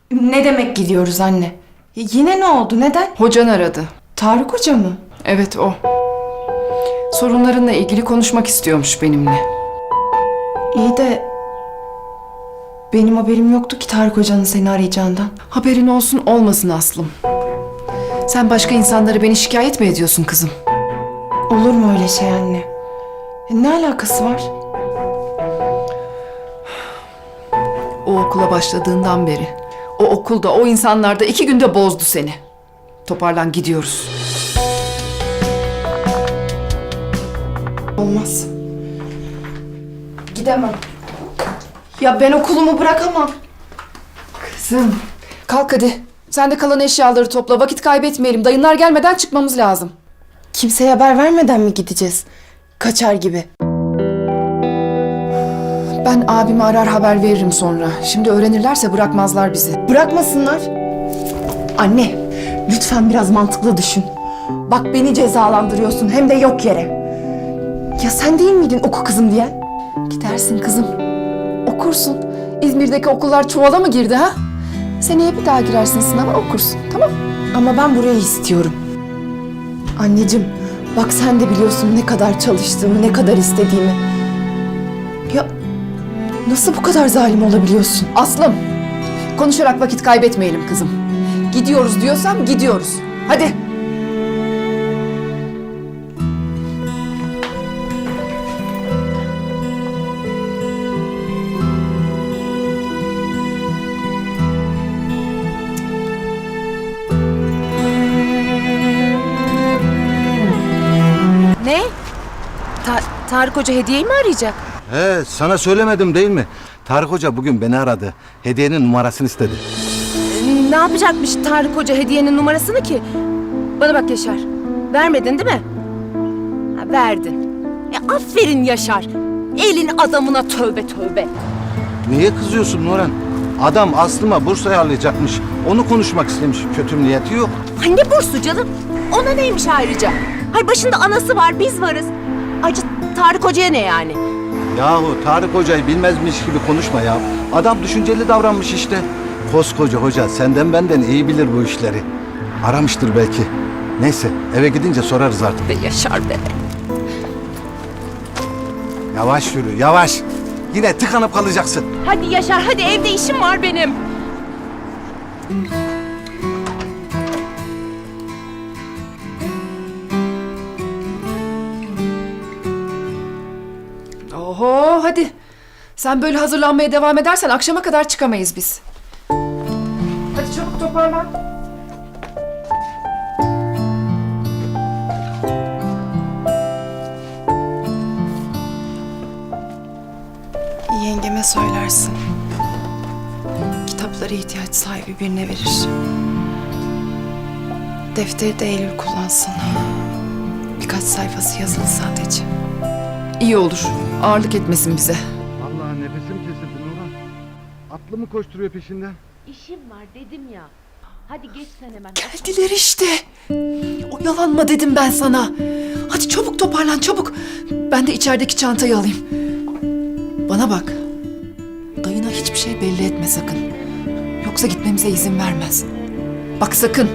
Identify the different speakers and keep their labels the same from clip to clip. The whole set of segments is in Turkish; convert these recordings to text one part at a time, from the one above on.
Speaker 1: Ne demek gidiyoruz anne? Yine ne oldu? Neden?
Speaker 2: Hocan aradı.
Speaker 1: Tarık Hoca mı?
Speaker 2: Evet o. Sorunlarınla ilgili konuşmak istiyormuş benimle.
Speaker 1: İyi de benim haberim yoktu ki Tarık Hoca'nın seni arayacağından.
Speaker 2: Haberin olsun olmasın Aslım. Sen başka insanlara beni şikayet mi ediyorsun kızım?
Speaker 1: Olur mu öyle şey anne? Ne alakası var?
Speaker 2: O okula başladığından beri o okulda, o insanlarda 2 günde bozdu seni. Toparlan, gidiyoruz.
Speaker 1: Olmaz. Gidemem. Ya ben okulumu bırakamam.
Speaker 2: Kızım. Kalk hadi. Sen de kalan eşyaları topla. Vakit kaybetmeyelim. Dayınlar gelmeden çıkmamız lazım.
Speaker 1: Kimseye haber vermeden mi gideceğiz? Kaçar gibi.
Speaker 2: Ben abimi arar haber veririm sonra. Şimdi öğrenirlerse bırakmazlar bizi.
Speaker 1: Bırakmasınlar. Anne, lütfen biraz mantıklı düşün. Bak beni cezalandırıyorsun hem de yok yere. Ya sen değil miydin oku kızım diyen?
Speaker 2: Gidersin kızım. Okursun. İzmir'deki okullar çuvala mı girdi ha? Seneye bir daha girersin sınava, okursun. Tamam.
Speaker 1: Ama ben burayı istiyorum. Anneciğim, bak sen de biliyorsun ne kadar çalıştığımı, ne kadar istediğimi. Ya nasıl bu kadar zalim olabiliyorsun?
Speaker 2: Aslım. Konuşarak vakit kaybetmeyelim kızım. Gidiyoruz diyorsam gidiyoruz. Hadi.
Speaker 3: Ne? Tarık Hoca hediyeyi mi arayacak?
Speaker 4: He, sana söylemedim değil mi? Tarık Hoca bugün beni aradı. Hediyenin numarasını istedi.
Speaker 3: Ne yapacakmış Tarık Hoca hediyenin numarasını ki? Bana bak Yaşar. Vermedin değil mi? Ha, verdin. Aferin Yaşar. Elin adamına tövbe tövbe.
Speaker 4: Niye kızıyorsun Nurhan? Adam Aslıma burs ayarlayacakmış. Onu konuşmak istemiş. Kötü bir niyeti yok.
Speaker 3: Ay ne bursu canım? Ona neymiş ayrıca? Hay başında anası var, biz varız. Ayrıca Tarık Hoca'ya ne yani?
Speaker 4: Yahu Tarık Hoca'yı bilmezmiş gibi konuşma ya. Adam düşünceli davranmış işte. Koskoca hoca senden benden iyi bilir bu işleri. Aramıştır belki. Neyse eve gidince sorarız artık.
Speaker 3: Be Yaşar be.
Speaker 4: Yavaş yürü yavaş. Yine tıkanıp kalacaksın.
Speaker 3: Hadi Yaşar, hadi evde işim var benim.
Speaker 2: Oho hadi. Sen böyle hazırlanmaya devam edersen akşama kadar çıkamayız biz. Hadi çabuk toparlan.
Speaker 1: Yengeme söylersin. Kitapları ihtiyaç sahibi birine verir. Defteri de Eylül kullansın. Birkaç sayfası yazılı sadece.
Speaker 2: İyi olur. Ağırlık etmesin bize.
Speaker 4: Vallahi nefesim kesildi Nurhan. Atlı mı koşturuyor peşinden?
Speaker 5: İşim var dedim ya. Hadi geç sen hemen.
Speaker 2: Geldiler işte. Oyalanma dedim ben sana. Hadi çabuk toparlan çabuk. Ben de içerideki çantayı alayım. Bana bak. Dayına hiçbir şey belli etme sakın. Yoksa gitmemize izin vermez. Bak sakın.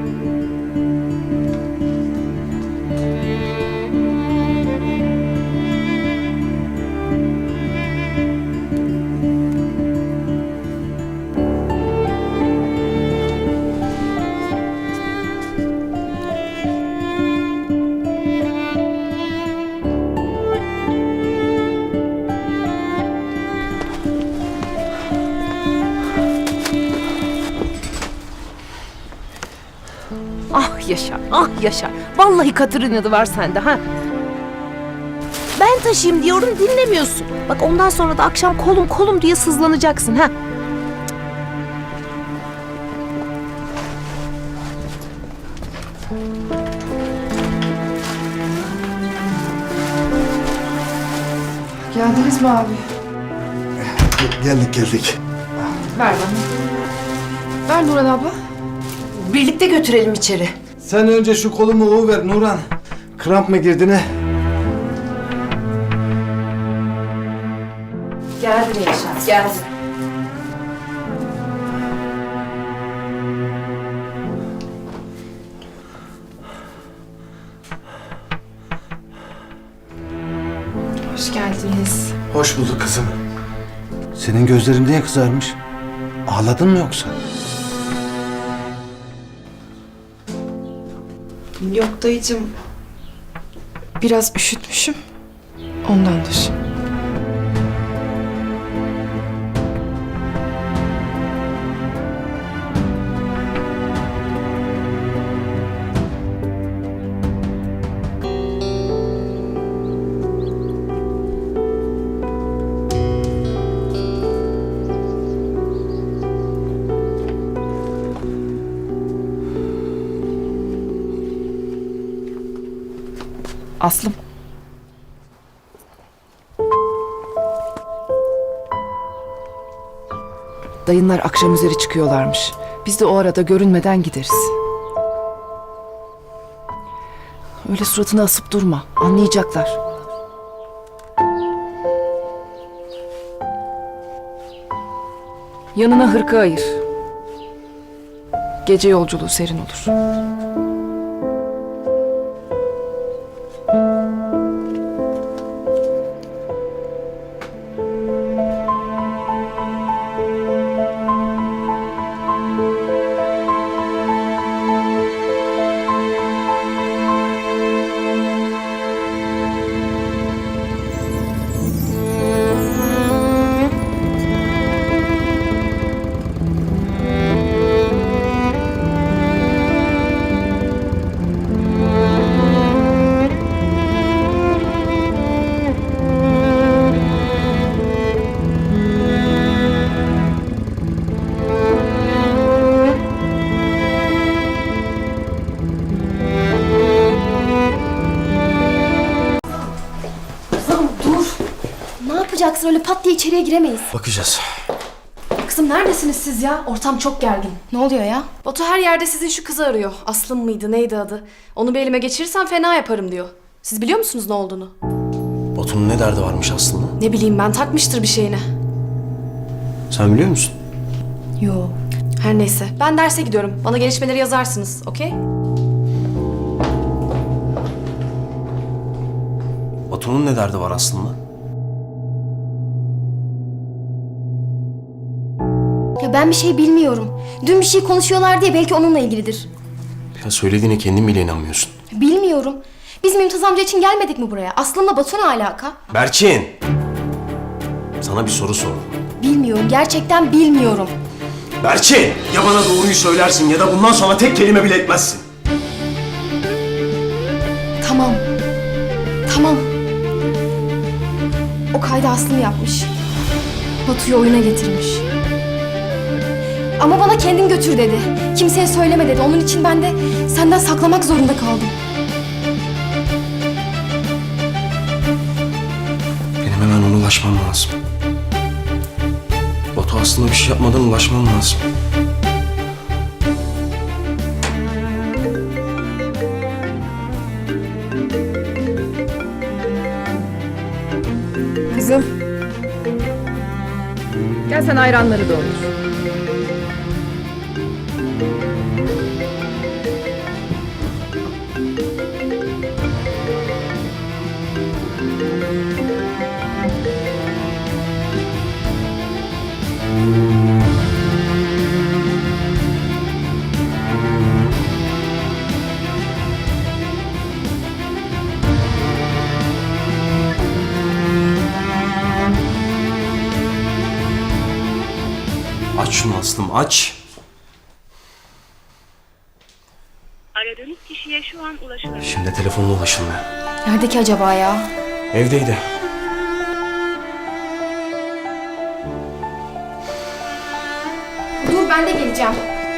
Speaker 3: Ah Yaşar, ah Yaşar. Vallahi katır inadı var sende ha. Ben taşıyayım diyorum, dinlemiyorsun. Bak ondan sonra da akşam kolum kolum diye sızlanacaksın ha.
Speaker 2: Geldiniz mi abi?
Speaker 4: Geldik.
Speaker 2: Ver bana. Ver Nurhan abla. Birlikte götürelim içeri.
Speaker 4: Sen önce şu kolumu ver Nurhan. Kramp mı girdi ne?
Speaker 2: Geldi Yaşar, geldi.
Speaker 1: Hoş geldiniz.
Speaker 6: Hoş bulduk kızım.
Speaker 4: Senin gözlerin niye kızarmış? Ağladın mı yoksa?
Speaker 1: Yok dayıcığım. Biraz üşütmüşüm. Ondandır. Aslım.
Speaker 2: Dayınlar akşam üzeri çıkıyorlarmış. Biz de o arada görünmeden gideriz. Öyle suratını asıp durma. Anlayacaklar. Yanına hırka ayır. Gece yolculuğu serin olur.
Speaker 7: Ne yapacaksın? Öyle pat diye içeriye giremeyiz.
Speaker 6: Bakacağız.
Speaker 7: Kızım neredesiniz siz ya? Ortam çok gergin. Ne oluyor ya?
Speaker 8: Batu her yerde sizin şu kızı arıyor. Aslım mıydı, neydi adı? Onu bir elime geçirirsem fena yaparım diyor. Siz biliyor musunuz ne olduğunu?
Speaker 6: Batu'nun ne derdi varmış aslında?
Speaker 8: Ne bileyim ben, takmıştır bir şeyine.
Speaker 6: Sen biliyor musun?
Speaker 7: Yo.
Speaker 8: Her neyse, ben derse gidiyorum. Bana gelişmeleri yazarsınız, okey?
Speaker 6: Batu'nun ne derdi var aslında?
Speaker 7: Ya ben bir şey bilmiyorum. Dün bir şey konuşuyorlar diye belki onunla ilgilidir.
Speaker 6: Ya söylediğine kendin bile inanmıyorsun.
Speaker 7: Bilmiyorum. Biz Mümtaz amca için gelmedik mi buraya? Aslında Batu ne alaka?
Speaker 6: Berçin! Sana bir soru sordum.
Speaker 7: Bilmiyorum. Gerçekten bilmiyorum.
Speaker 6: Berçin! Ya bana doğruyu söylersin ya da bundan sonra tek kelime bile etmezsin.
Speaker 7: Tamam. Tamam. O kaydı Aslım yapmış. Batu'yu oyuna getirmiş. Ama bana kendin götür dedi. Kimseye söyleme dedi. Onun için ben de senden saklamak zorunda kaldım.
Speaker 6: Benim hemen ona ulaşmam lazım. Batu aslında bir şey yapmadan ulaşmam lazım.
Speaker 2: Kızım. Gel sen ayranları doldur.
Speaker 6: Aç şunu Aslım, aç.
Speaker 9: Aradığınız kişiye şu an ulaşılamıyor.
Speaker 6: Şimdi telefonla ulaşılmıyor.
Speaker 7: Nerede ki acaba ya?
Speaker 6: Evdeydi.
Speaker 7: Dur ben de geleceğim.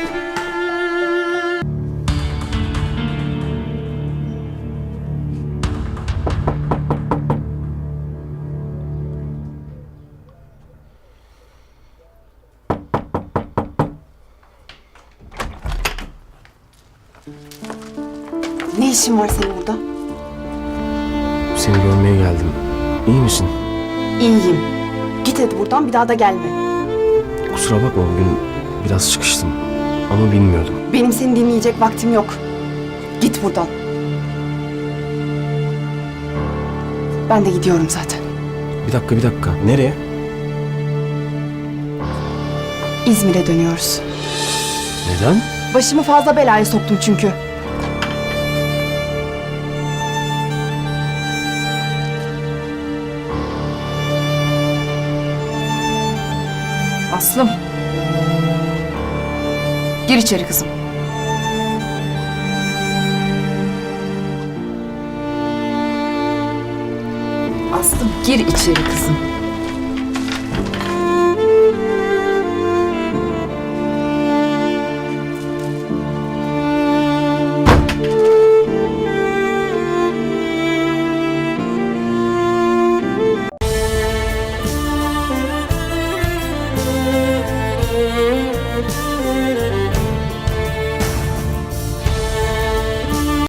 Speaker 1: Ne işin var senin burada?
Speaker 6: Seni görmeye geldim. İyi misin?
Speaker 1: İyiyim. Git hadi buradan, bir daha da gelme.
Speaker 6: Kusura bakma, bugün biraz çıkıştım. Ama bilmiyordum.
Speaker 1: Benim seni dinleyecek vaktim yok. Git buradan. Ben de gidiyorum zaten.
Speaker 6: Bir dakika. Nereye?
Speaker 1: İzmir'e dönüyoruz.
Speaker 6: Neden?
Speaker 1: Başımı fazla belaya soktum çünkü.
Speaker 2: Aslım. Gir içeri kızım. Aslım gir içeri kızım.